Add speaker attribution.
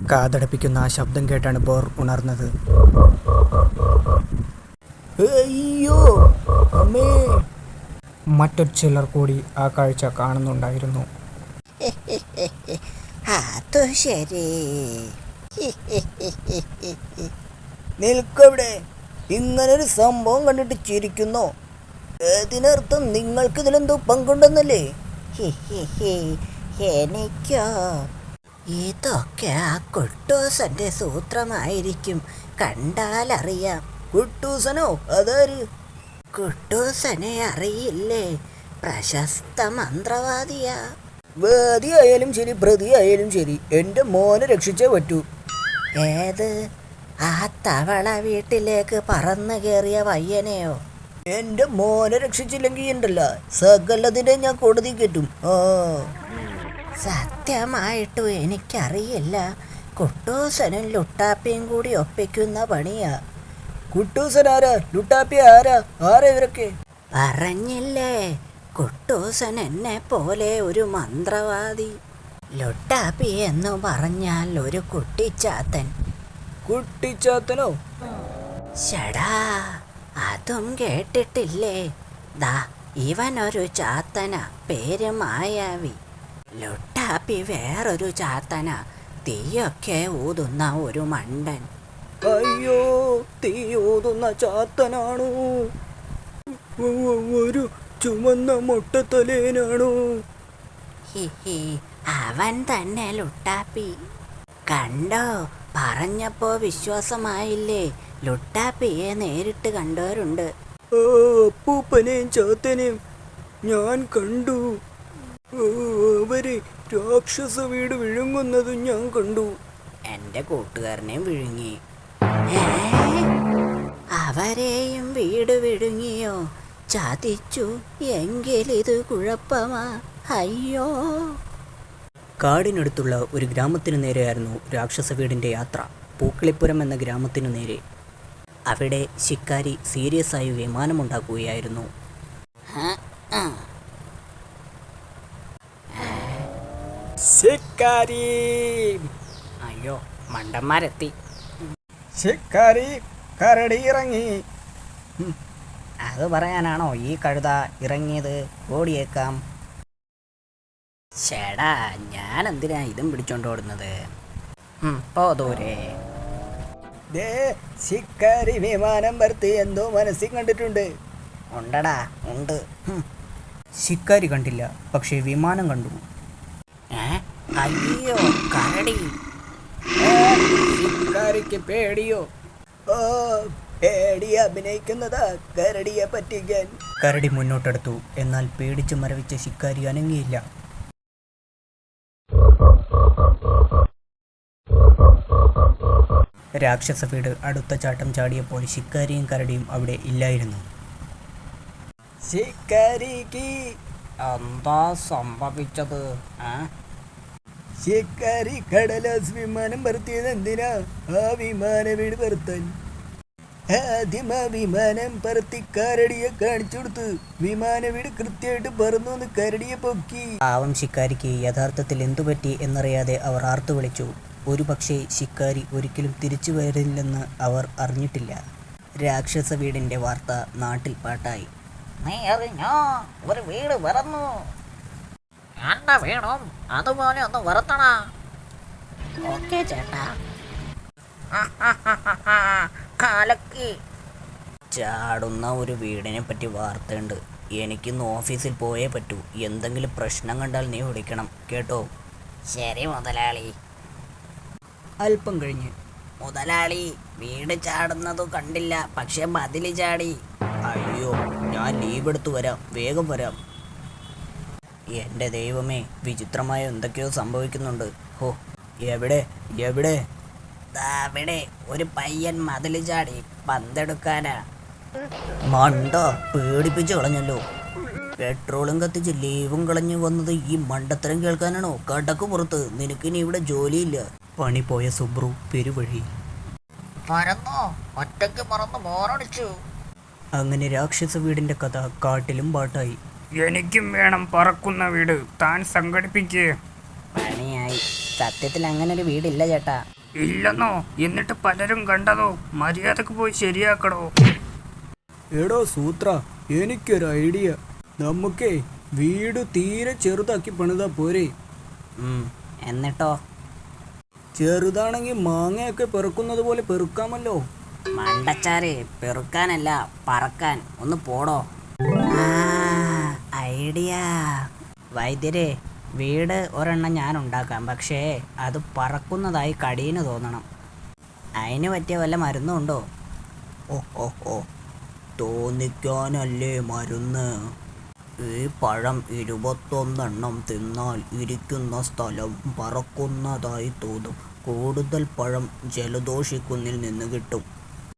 Speaker 1: കാതടപ്പിക്കുന്ന ആ ശബ്ദം കേട്ടാണ് ബോർ ഉണർന്നത്.
Speaker 2: അയ്യോ അമ്മേ!
Speaker 1: മറ്റൊരു ചിലർ കൂടി ആ കാഴ്ച കാണുന്നുണ്ടായിരുന്നു.
Speaker 2: അത് ശരി. നിൽക്കവിടെ! ഇങ്ങനൊരു സംഭവം കണ്ടിട്ട് ചിരിക്കുന്നോ? അതിനർത്ഥം നിങ്ങൾക്ക് ഇതിലെന്തോ പങ്കുണ്ടെന്നല്ലേ? എനിക്കോ? ഇതൊക്കെ ആ കുട്ടൂസന്റെ സൂത്രമായിരിക്കും. കണ്ടാലറിയാം. കുട്ടൂസനോ? അതാര്? കുട്ടൂസനെ അറിയില്ലേ? പ്രശസ്ത മന്ത്രവാദിയാ. വാദിയായാലും ശരി, പ്രതിയായാലും ശരി, എൻ്റെ മോനെ രക്ഷിച്ചേ പറ്റൂ. ഏത്? ആ തവള വീട്ടിലേക്ക് പറന്നു കയറിയ പയ്യനെയോ? എൻ്റെ മോനെ രക്ഷിച്ചില്ലെങ്കിൽ ഉണ്ടല്ല, സകലതിനെ ഞാൻ കോടതി കയറ്റും. സത്യമായിട്ടും എനിക്കറിയില്ല. കുട്ടൂസനും ലുട്ടാപ്പിയും കൂടി ഒപ്പിക്കുന്ന പണിയാ. കുട്ടൂസൻ ആരാ? ലുട്ടാപ്പി ആരാ? ആരാ ഇവരൊക്കെ? പറഞ്ഞില്ലേ, കുട്ടൂസൻ എന്നെ പോലെ ഒരു മന്ത്രവാദി. ലുട്ടാപ്പി എന്ന് പറഞ്ഞാൽ ഒരു കുട്ടിച്ചാത്തൻ. കുട്ടിച്ചാത്തനോ? ഷടാ, അതും കേട്ടിട്ടില്ലേ? ദാ ഇവനൊരു ചാത്തന, പേര് മായാവി. ലുട്ടാപ്പി വേറൊരു ചാത്തന, തീയൊക്കെ ഊതുന്ന ഒരു മണ്ടൻ. അയ്യോ, തീ ഊതുന്ന ചാത്തനാണോ? ഒരു ചുമന്ന മുട്ടത്തലേനാണോ? അവൻ തന്നെ ലുട്ടാപ്പി. കണ്ടോ? പറഞ്ഞപ്പോ വിശ്വാസമായില്ലേ? ലുട്ടാപ്പിയെ നേരിട്ട് കണ്ടവരുണ്ട്. അപ്പൂപ്പനെയും ചാത്തനെയും ഞാൻ കണ്ടു. അവര് രാക്ഷസ വീട് വിഴുങ്ങുന്നതും ഞാൻ കണ്ടു. എന്റെ കൂട്ടുകാരനെയും വിഴുങ്ങി. അവരെയും വീട് വിഴുങ്ങിയോ? ചതിച്ചു എങ്കിലിത് കുഴപ്പമാ. അയ്യോ!
Speaker 1: കാടിനടുത്തുള്ള ഒരു ഗ്രാമത്തിനു നേരെയായിരുന്നു രാക്ഷസ വീടിൻ്റെ യാത്ര. പൂക്കളിപ്പുരം എന്ന ഗ്രാമത്തിനു നേരെ. അവിടെ ശിക്കാരി സീരിയസ് ആയി വിമാനമുണ്ടാക്കുകയായിരുന്നു. ശിക്കാരി! അയ്യോ, മണ്ടന്മാരെത്തി. ശിക്കാരി കരടി ഇറങ്ങി. അത് പറയാനാണോ ഈ കഴുത ഇറങ്ങിയത്? ഓടിയേക്കാം. ചേടാ, ഞാൻ എന്തിനാ ഇതും പിടിച്ചോണ്ട് ഓടുന്നത്? പോ ദൂരെ. ശിക്കാരി വിമാനം പറത്തി എന്തോ മനസ്സിൽ കണ്ടിട്ടുണ്ട്. ഉണ്ടടാ, ഉണ്ട്. ശിക്കാരി കണ്ടില്ല, പക്ഷേ വിമാനം കണ്ടു. അയ്യോ, കരടി! ശിക്കാരിക്ക് പേടിയോ? പേടി അഭിനയിക്കുന്നതാ കരടിയെ പറ്റിക്കാൻ. കരടി മുന്നോട്ടെടുത്തു. എന്നാൽ പേടിച്ച് മരവിച്ച ശിക്കാരി അനങ്ങിയില്ല. രാക്ഷസ വീട് അടുത്ത ചാട്ടം ചാടിയപ്പോൾ ശിക്കാരിയും കരടിയും അവിടെ ഇല്ലായിരുന്നു. ശിക്കാരിക്ക് എന്താ സംഭവിച്ചത്? ശിക്കാരി കടലാസ് വിമാനം പറത്തിയത് എന്തിനാ? ആ വിമാന വീട് പറത്താൻ. ആദ്യം ആ വിമാനം പറത്തി കരടിയെ കാണിച്ചു കൊടുത്ത് വിമാന വീട് കൃത്യമായിട്ട് പറന്നു എന്ന് കരടിയെ പൊക്കി. പാവം ശിക്കാരിക്ക് യഥാർത്ഥത്തിൽ എന്തുപറ്റി എന്നറിയാതെ അവർ ആർത്തു വിളിച്ചു. ഒരു പക്ഷേ ശിക്കാരി ഒരിക്കലും തിരിച്ചു വരില്ലെന്ന് അവർ അറിഞ്ഞിട്ടില്ല. രാക്ഷസ വീടിന്റെ വാർത്ത നാട്ടിൽ പാട്ടായി.
Speaker 2: നീ അറിഞ്ഞോ? ഒരു വീട് പറന്നു. എന്റെ വീടും അതുപോലെ ഒന്ന് വറുത്തണ. ഓക്കേ ചേട്ടാ. കാലക്കി.
Speaker 1: ചാടുന്ന ഒരു വീടിനെ പറ്റി വാർത്തയുണ്ട്. എനിക്കിന്ന് ഓഫീസിൽ പോയേ പറ്റൂ. എന്തെങ്കിലും പ്രശ്നം കണ്ടാൽ നീ വിളിക്കണം കേട്ടോ?
Speaker 2: ശരി മുതലാളി.
Speaker 1: അല്പം കഴിഞ്ഞ്,
Speaker 2: മുതലാളി, വീട് ചാടുന്നതു കണ്ടില്ല, പക്ഷെ മതില് ചാടി.
Speaker 1: അയ്യോ, ഞാൻ ലീവ് എടുത്തു വരാം, വേഗം വരാം. എൻ്റെ ദൈവമേ, വിചിത്രമായ എന്തൊക്കെയോ സംഭവിക്കുന്നുണ്ട്. ഹോ, എവിടെ എവിടെ?
Speaker 2: അവിടെ ഒരു പയ്യൻ മതില് ചാടി പന്തെടുക്കാനാ.
Speaker 1: മണ്ട, പേടിപ്പിച്ച് കളഞ്ഞല്ലോ. പെട്രോളും കത്തിച്ച് ലീവും കളഞ്ഞു വന്നത് ഈ മണ്ടത്തരം കേൾക്കാനാണോ? കടക്ക് പുറത്ത്, നിനക്കിനി ഇവിടെ ജോലിയില്ല. പണി പോയ സുബ്രു പെരുവഴി.
Speaker 2: ഒറ്റയ്ക്ക് പറന്ന് ബോറടിച്ചു.
Speaker 1: അങ്ങനെ രാക്ഷസ വീടിന്റെ കഥ കാട്ടിലും പാട്ടായി.
Speaker 3: എനിക്കും വേണം പറക്കുന്ന വീട്, താൻ സംഘടിപ്പിക്കേ.
Speaker 2: പണിയായി. സത്യത്തിൽ അങ്ങനെ ഒരു വീടില്ല ചേട്ടാ.
Speaker 3: ഇല്ലെന്നോ? എന്നിട്ട് പലരും കണ്ടതോ? മര്യാദക്ക് പോയി ശരിയാക്കടോ.
Speaker 1: എടോ സൂത്ര, എനിക്കൊരു ഐഡിയ. നമുക്കേ വീട് തീരെ ചെറുതാക്കി പണിതാ പോരെ?
Speaker 2: എന്നിട്ടോ?
Speaker 1: ചെറുതാണെങ്കിൽ മാങ്ങയൊക്കെ പെറുക്കുന്നത് പോലെ പെറുക്കാമല്ലോ.
Speaker 2: മണ്ടച്ചാരെ, പെറുക്കാനല്ല പറക്കാൻ. ഒന്ന് പോടോ. ഐഡിയ. വൈദ്യരെ, വീട് ഒരെണ്ണം ഞാൻ ഉണ്ടാക്കാം. പക്ഷേ അത് പറക്കുന്നതായി കടീന് തോന്നണം. അതിന് പറ്റിയ വല്ല മരുന്നും ഉണ്ടോ?
Speaker 1: ഓ തോന്നിക്കാനല്ലേ മരുന്ന്. ഈ പഴം 21 തിന്നാൽ ഇരിക്കുന്ന സ്ഥലം പറക്കുന്നതായി തോന്നും. കൂടുതൽ പഴം ജലദോഷിക്കുന്നിൽ നിന്ന് കിട്ടും.